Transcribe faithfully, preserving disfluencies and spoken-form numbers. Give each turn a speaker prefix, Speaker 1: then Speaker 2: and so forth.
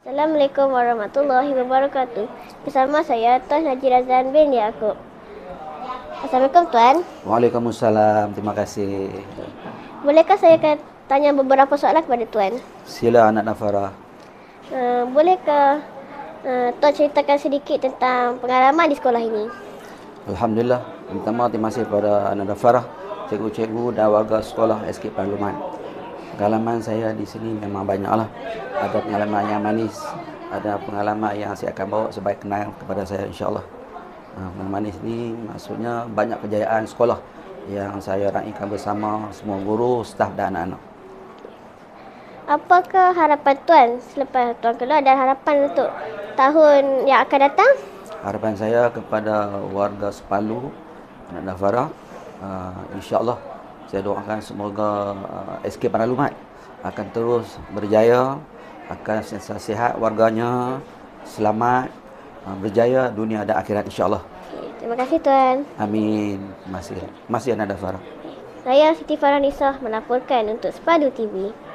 Speaker 1: Assalamualaikum warahmatullahi wabarakatuh. Bersama saya Tuan Haji Razan bin Yaakob. Assalamualaikum Tuan.
Speaker 2: Waalaikumsalam. Terima kasih.
Speaker 1: Bolehkah saya akan tanya beberapa soalan kepada Tuan?
Speaker 2: Sila anak Nafara.
Speaker 1: Uh, bolehkah uh, Tuan ceritakan sedikit tentang pengalaman di sekolah ini?
Speaker 2: Alhamdulillah. Pertama, terima kasih kepada anak Nafara, cikgu-cikgu dan warga sekolah S K Parlimen. Pengalaman saya di sini memang banyaklah. Ada pengalaman yang manis, ada pengalaman yang saya akan bawa sebagai kenangan kepada saya, insya-Allah. Nah, pengalaman manis ni maksudnya banyak kejayaan sekolah yang saya raikan bersama semua guru, staf dan anak-anak.
Speaker 1: Apakah harapan Tuan selepas Tuan keluar dan harapan untuk tahun yang akan datang?
Speaker 2: Harapan saya kepada warga Sepalu, anak Nafara, uh, insya-Allah saya doakan semoga uh, S K Parlimen akan terus berjaya, akan sentiasa sihat warganya, selamat, uh, berjaya dunia dan akhirat, insya-Allah.
Speaker 1: Okay, terima kasih Tuan.
Speaker 2: Amin. Terima kasih. Terima kasih anak Nafara.
Speaker 1: Saya Siti Farhanisa melaporkan untuk Sepadu T V.